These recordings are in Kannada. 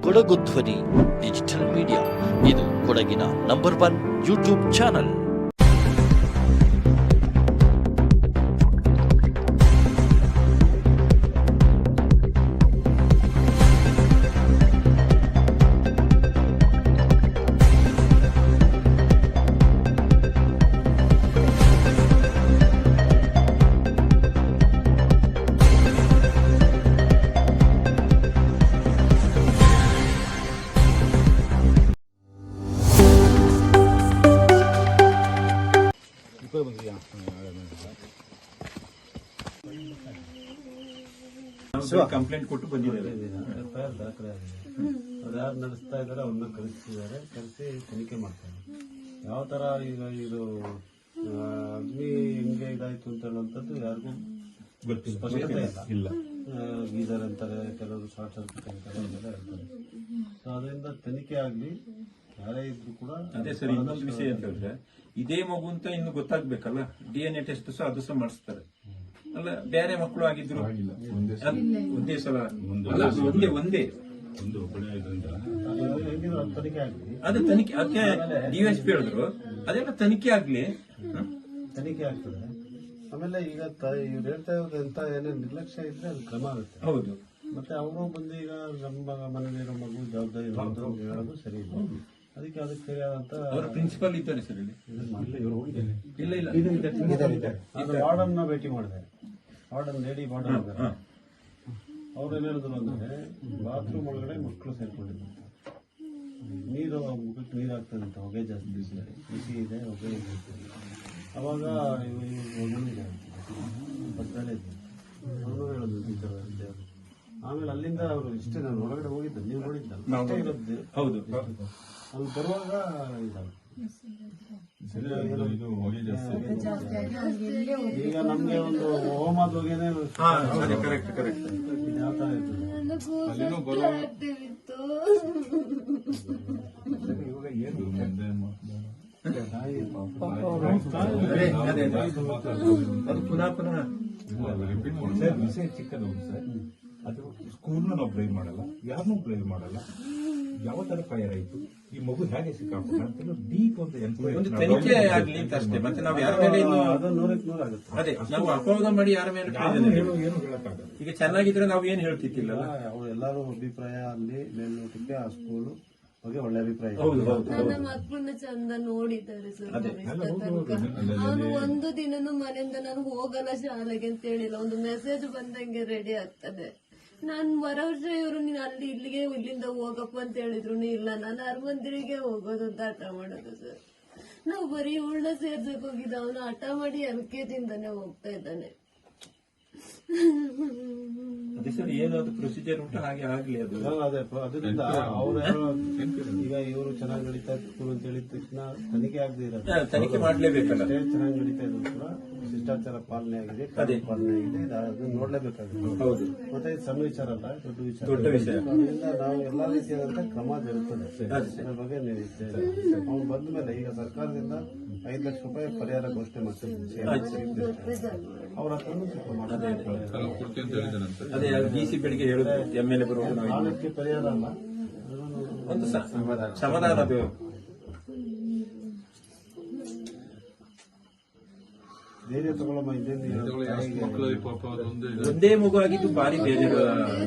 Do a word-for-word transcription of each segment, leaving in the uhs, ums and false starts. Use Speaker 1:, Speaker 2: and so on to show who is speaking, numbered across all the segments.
Speaker 1: ಕೊಡಗು ಧ್ವನಿ ಡಿಜಿಟಲ್ ಮೀಡಿಯಾ, ಇದು ಕೊಡಗಿನ number one YouTube channel.
Speaker 2: Complaint ಕೊಟ್ಟು ಬಂದಿದ್ದಾರೆ. ದಾಖಲೆ ಆಗಿದೆ. ಅವ್ರು ಯಾರು ನಡೆಸ್ತಾ ಇದ್ದಾರೆ ಅವ್ರನ್ನ ಕಳಿಸ್ತಿದ್ದಾರೆ, ಕಳಿಸಿ ತನಿಖೆ ಮಾಡ್ತಾರೆ. ಯಾವ ತರ ಈಗ ಇದು ಅಗ್ನಿ ಹೆಂಗೆ ಇದಾಯ್ತು ಅಂತ ಹೇಳುವಂಥದ್ದು ಯಾರಿಗೂ ಸ್ಪಷ್ಟತೆ ಇಲ್ಲ. ಗೀಸರ್ ಅಂತಾರೆ, ಕೆಲವರು ಶಾರ್ಟ್ ಸರ್ಕ್ಯೂಟ್ ಅಂತಾರೆ, ಅದೆಲ್ಲ ಹೇಳ್ತಾರೆ. ಸೊ ಅದರಿಂದ ತನಿಖೆ ಆಗ್ಲಿ, ಯಾರೇ ಇದ್ರು ಕೂಡ.
Speaker 3: ಅದೇ ಸರ್, ಇನ್ನೊಂದು ವಿಷಯ ಅಂತ ಹೇಳಿದ್ರೆ, ಇದೇ ಮಗು ಅಂತ ಇನ್ನು ಗೊತ್ತಾಗ್ಬೇಕಲ್ಲ, ಡಿ ಎನ್ ಎ ಟೆಸ್ಟ್ ಸಹ ಅದು ಸಹ ಮಾಡಿಸ್ತಾರೆ ಅಲ್ಲ. ಬೇರೆ ಮಕ್ಕಳು ಆಗಿದ್ರು ಒಂದೇ ಸಲ ಒಂದೇ ಒಂದೇ
Speaker 2: ತನಿಖೆ ಆಗ್ಲಿ,
Speaker 3: ಅದೇ ತನಿಖೆ. ಅದಕ್ಕೆ ಡಿವೈಎಸ್ಪಿ ಹೇಳಿದ್ರು ಅದೆಲ್ಲ ತನಿಖೆ ಆಗ್ಲಿ,
Speaker 2: ತನಿಖೆ ಆಗ್ತದೆ. ಆಮೇಲೆ ಈಗ ಇವ್ರು ಹೇಳ್ತಾ ಇರೋದು ಎಂತ ಏನೇ ನಿರ್ಲಕ್ಷ್ಯ ಇದ್ರೆ ಅದು ಕ್ರಮ ಆಗುತ್ತೆ.
Speaker 3: ಹೌದು.
Speaker 2: ಮತ್ತೆ ಅವರು ಬಂದು ಈಗ ನಮ್ಮ ಮನೇಲಿರೋ ಮಗು ಜವಾಬ್ದಾರಿ ಹೇಳೋದು ಸರಿ ಇಲ್ಲ. ಅದಕ್ಕೆ ಅದಕ್ಕೆ ಸರಿಯಾದಂತ
Speaker 3: ಅವ್ರ ಪ್ರಿನ್ಸಿಪಲ್ ಇದ್ದಾರೆ ಸರ್ ಇಲ್ಲಿ. ಇಲ್ಲ ಇಲ್ಲ
Speaker 2: ಅದು ವಾರ್ಡನ್ ಭೇಟಿ ಮಾಡಿದೆ, ವಾರ್ಡನ್ ಲೇಡಿ ವಾರ್ಡನ್. ಅವ್ರೇನ್ ಹೇಳಿದ್ರು ಅಂದ್ರೆ, ಬಾತ್ರೂಮ್ ಒಳಗಡೆ ಮಕ್ಕಳು ಸೇರ್ಕೊಂಡಿದ್ರು, ನೀರು ಮುಖಕ್ಕೆ ನೀರು ಆಗ್ತದೆ ಅಂತ, ಹೊಗೆ ಜಾಸ್ತಿ ಬಿಸಿಲಿದೆ, ಬಿಸಿ ಇದೆ, ಹೊಗೆ ಇದೆ. ಅವಾಗ ಒಣಗಿದೆ ಪಕ್ಕದಲ್ಲೇ ಇದ್ದೆ, ಅವನು ಹೇಳಿದ್ರು ಟೀಚರ್ ವಿದ್ಯಾರ್ಥಿ. ಆಮೇಲೆ ಅಲ್ಲಿಂದ ಅವರು ಇಷ್ಟೇ, ನಾನು ಹೊರಗಡೆ ಹೋಗಿದ್ದೆ, ನೀವು ನೋಡಿದ್ದ ಇರೋದು.
Speaker 3: ಹೌದು.
Speaker 2: ಅಲ್ಲಿ ಬರುವಾಗ ಈಗ ನಮ್ಗೆ ಒಂದು ಹೋಮದ ಹೊಗೆನೆ
Speaker 3: ಕರೆಕ್ಟ್ ಕರೆಕ್ಟ್
Speaker 2: ಯಾವ ತರ ಇರ್ತದೆ. ಇವಾಗ ಏನು
Speaker 3: ಅದು ಪುನಃ ಪುನಃ
Speaker 4: ವಿಷಯ ಚಿಕ್ಕದು ಸರ್. ಅದು ಸ್ಕೂಲ್ನ ನಾವು ಬ್ಲೇಮ್ ಮಾಡಲ್ಲ, ಯಾರನ್ನೂ ಬ್ಲೇಮ್ ಮಾಡಲ್ಲ. ಯಾವ ತರ ಫೈರ್ ಆಯ್ತು, ಈ ಮಗು ಹೇಗೆ ಸಿಕ್ಕಾಪಟ್ಟ ಅಂತ ಡೀಪ್ ಅಂತ
Speaker 3: ಒಂದು ತನಿಖೆ ಆಗ್ಲಿ ಅಂತ ಅಷ್ಟೇ. ಮತ್ತೆ ನಾವು ಯಾರ ಮೇಲೆ
Speaker 2: ನೂರಕ್ಕೆ ನೂರ ಆಗುತ್ತೆ.
Speaker 3: ಅದೇ ನಾವು ಅಪವಾದ ಮಾಡಿ ಯಾರ ಮೇಲೆ
Speaker 4: ಏನು ಹೇಳಕ್ಕಾಗಲ್ಲ.
Speaker 3: ಈಗ ಚೆನ್ನಾಗಿದ್ರೆ ನಾವು ಏನ್ ಹೇಳ್ತಿದ್ದಿಲ್ಲ.
Speaker 2: ಅವ್ರು ಎಲ್ಲರೂ ಅಭಿಪ್ರಾಯ ಅಲ್ಲಿ ಮೇಲ್ನೋಟಕ್ಕೆ ಆ ಸ್ಕೂಲು ಬಗ್ಗೆ ಒಳ್ಳೆ ಅಭಿಪ್ರಾಯ.
Speaker 5: ನನ್ನ ಮಕ್ಕಳನ್ನ ಚಂದ ನೋಡಿದ್ದಾರೆ ಸರ್. ಅವನು ಒಂದು ದಿನನೂ ಮನೆಯಿಂದ ನಾನು ಹೋಗಲ್ಲ ಶಾಲೆಗೆ ಅಂತ ಹೇಳಿಲ್ಲ. ಒಂದು ಮೆಸೇಜ್ ಬಂದಂಗೆ ರೆಡಿ ಆಗ್ತದೆ. ನಾನ್ ಬರೋ ವರ್ಷ ಇವರು ನೀನ್ ಅಲ್ಲಿ ಇಲ್ಲಿಗೆ ಇಲ್ಲಿಂದ ಹೋಗಪ್ಪ ಅಂತ ಹೇಳಿದ್ರು ಇಲ್ಲ, ನಾನು ಅರಮಂದಿರಿಗೆ ಹೋಗೋದು ಅಂತ ಹಠ ಮಾಡೋದು ಸರ್. ನಾವು ಬರೀ ಉಳ್ಳ ಸೇರ್ಸಕ್ ಹೋಗಿದ್ದ, ಅವನು ಹಠ ಮಾಡಿ ಎಲ್ ಕೆ ಜಿಂದಾನೆ ಹೋಗ್ತಾ ಇದ್ದಾನೆ.
Speaker 3: ಅದೇ ಸರ್, ಏನಾದ್ರು ಪ್ರೊಸೀಜರ್ ಉಂಟು ಹಾಗೆ ಆಗ್ಲಿ. ಅದು
Speaker 2: ಅದೇ ಅದರಿಂದ ಅವ್ರು ಈಗ ಇವರು ಚೆನ್ನಾಗಿ ನಡೀತಾ ಇತ್ತು ಅಂತ ಹೇಳಿದ ತಕ್ಷಣ ತನಿಖೆ ಆಗದೆ ಇರೋದು,
Speaker 3: ತನಿಖೆ ಮಾಡ್ಲೇಬೇಕಲ್ಲ.
Speaker 2: ಚೆನ್ನಾಗಿ ನಡೀತಾ ಇದ್ರು ಕೂಡ ಶಿಷ್ಟಾಚಾರ ಪಾಲನೆ ಆಗಿದೆ, ಕಾನೂನು ಪಾಲನೆ ಆಗಿದೆ, ಅದನ್ನ ನೋಡ್ಲೇಬೇಕಾಗುತ್ತೆ.
Speaker 3: ಹೌದು. ಮತ್ತೆ
Speaker 2: ಇದು ಸಣ್ಣ ವಿಚಾರ ಅಲ್ಲ, ದೊಡ್ಡ ವಿಚಾರ.
Speaker 3: ದೊಡ್ಡ ವಿಷಯ.
Speaker 2: ಅದರಿಂದ ನಾವು ಎಲ್ಲಾ ರೀತಿಯಾದಂತ ಕ್ರಮ ಜರುಗುತ್ತದೆ. ಅದ್ರ ಬಗ್ಗೆ ಅವ್ನು ಬಂದ ಮೇಲೆ ಈಗ ಸರ್ಕಾರದಿಂದ ಐದು ಲಕ್ಷ ರೂಪಾಯಿ ಪರಿಹಾರ ಘೋಷಣೆ ಮಾಡ್ತಿದ್ದೀವಿ. ಅವ್ರ ಹತ್ರ
Speaker 3: ಅದೇ ಡಿ ಸಿ ಬೆಳಿಗ್ಗೆ ಹೇಳುದು ಎಮ್ ಎಲ್ ಎ ಬರುವಾಗ
Speaker 2: ಕಾಲಕ್ಕೆ ಪರಿಹಾರ ಅಲ್ಲ,
Speaker 3: ಒಂದು ಸಮಾಧಾನ. ಅದು
Speaker 2: ಧೈರ್ಯ ತಗೊಳ್ಳಮ್ಮ.
Speaker 3: ಒಂದೇ ಮಗು ಆಗಿದ್ದು ಭಾರಿ ಬೇಜಾರು.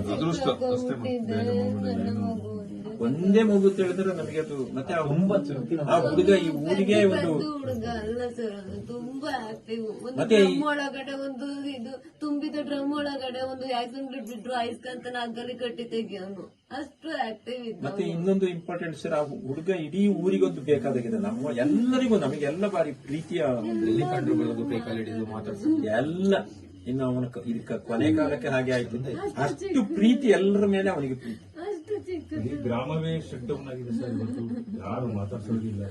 Speaker 3: ಒಂದೇ ಮಗು ಅಂತ ಹೇಳಿದ್ರೆ ನಮಗೆ ಅದು. ಮತ್ತೆ ಆ ಒಂಬತ್ತು ಆ ಹುಡುಗ ಈ ಊರಿಗೆ ಒಂದು
Speaker 5: ಹುಡುಗ ಅಲ್ಲ ಸರ್, ಅದು ತುಂಬಾ ಆಕ್ಟಿವ್. ಒಂದು ಡ್ರಮ್ ಒಳಗಡೆ ಒಂದು ಇದು ತುಂಬಿದ ಡ್ರಮ್ ಒಳಗಡೆ ಒಂದು ಆಕ್ಸಿಡೆಂಟ್ ಬಿಟ್ರು ಐಸ್ಕಂತ ನಾಗಲ್ಲಿ ಕಟ್ಟಿ ತೆಗಿಯೋನು, ಅಷ್ಟು ಆಕ್ಟಿವ್ ಇದ್ದ.
Speaker 3: ಮತ್ತೆ ಇನ್ನೊಂದು ಇಂಪಾರ್ಟೆಂಟ್ ಸರ್, ಆ ಹುಡುಗ ಇಡೀ ಊರಿಗೊಂದು ಬೇಕಾದಾಗಿದೆ. ನಮ್ಮ ಎಲ್ಲರಿಗೂ ನಮಗೆಲ್ಲ ಬಾರಿ ಪ್ರೀತಿಯ ಎಲ್ಲ. ಇನ್ನು ಅವನ ಇದಕ್ಕೆ ಕೊನೆ ಕಾಲಕ್ಕೆ ಹಾಗೆ ಆಯ್ತು, ಅಷ್ಟು ಪ್ರೀತಿ ಎಲ್ಲರ ಮೇಲೆ ಅವನಿಗೆ ಪ್ರೀತಿ.
Speaker 4: ಈ ಗ್ರಾಮವೇ ಶಟ್ ಡೌನ್ ಆಗಿದೆ ಸರ್, ಇವತ್ತು ಯಾರು ಮಾತಾಡ್ಸೋದಿಲ್ಲ.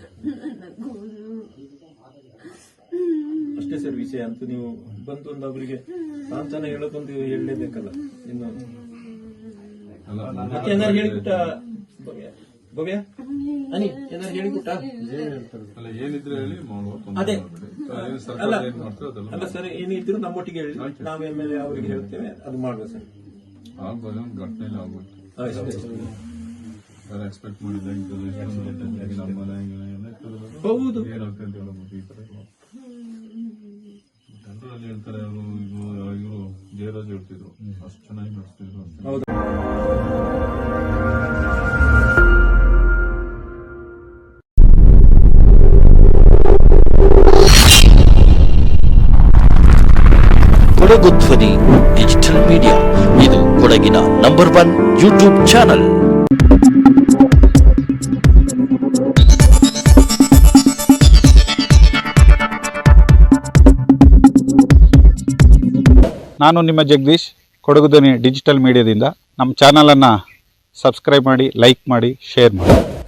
Speaker 3: ಅಷ್ಟೇ ಸರ್ ವಿಷಯ. ಅಂತೂ ನೀವು ಬಂದು ಒಂದು ಅವರಿಗೆ ಸಾಂತ್ವನ ಹೇಳೋದೊಂದು ಹೇಳಲೇಬೇಕಲ್ಲ. ಇನ್ನು ಮತ್ತೆ ಏನಾರು ಹೇಳಿಬಿಟ್ಟ ಭವ್ಯ ಅನಿ ಏನಾರು ಹೇಳಿಬಿಟ್ಟ
Speaker 4: ಏನಿದ್ರೆ ಹೇಳಿ
Speaker 3: ಅದೇ ಅಲ್ಲ ಅಲ್ಲ ಸರ್, ಏನಿದ್ರು ನಮ್ಮೊಟ್ಟಿಗೆ ಹೇಳಿ, ನಾವು ಎಮ್ಮೆಲ್ಯೆ ಅವರಿಗೆ ಹೇಳ್ತೇವೆ, ಅದು ಮಾಡುವ ಸರ್.
Speaker 4: ಘಟನೆ ಆಗ್ಬಿಟ್ಟು
Speaker 6: ಎಕ್ಸ್ಪೆಕ್ಟ್ ಮಾಡಿಲ್ಲ ಇಂಥದ್ದು ಎಷ್ಟೊಂದು ಲೇಟಾಗಿ ನಮ್ಮ ಮನೆ ಎಲ್ಲ ಇರ್ತದೆ.
Speaker 3: ಹೌದು.
Speaker 6: ಏನಾಗ್ತದೆ ಅಂತ ಹೇಳಬಹುದು ಈ ತರ ಜನರಲ್ಲಿ ಹೇಳ್ತಾರೆ. ಅವರು ಇದು ಇವರು ಜಯರಾಜ್ ಹೇಳ್ತಿದ್ರು ಅಷ್ಟು ಚೆನ್ನಾಗಿ ನಡೆಸ್ತಿದ್ರು ಅಂತ.
Speaker 3: ಹೌದು.
Speaker 1: ಕೊಡಗು ಧ್ವನಿ ಡಿಜಿಟಲ್ ಮೀಡಿಯಾ, ಇದು ಕೊಡಗಿನ ನಂಬರ್ ಒನ್ ಯೂಟ್ಯೂಬ್ ಚಾನಲ್.
Speaker 7: ನಾನು ನಿಮ್ಮ ಜಗದೀಶ್, ಕೊಡಗು ಧ್ವನಿ ಡಿಜಿಟಲ್ ಮೀಡಿಯಾದಿಂದ. ನಮ್ಮ ಚಾನಲನ್ನು ಸಬ್ಸ್ಕ್ರೈಬ್ ಮಾಡಿ, ಲೈಕ್ ಮಾಡಿ, ಶೇರ್ ಮಾಡಿ.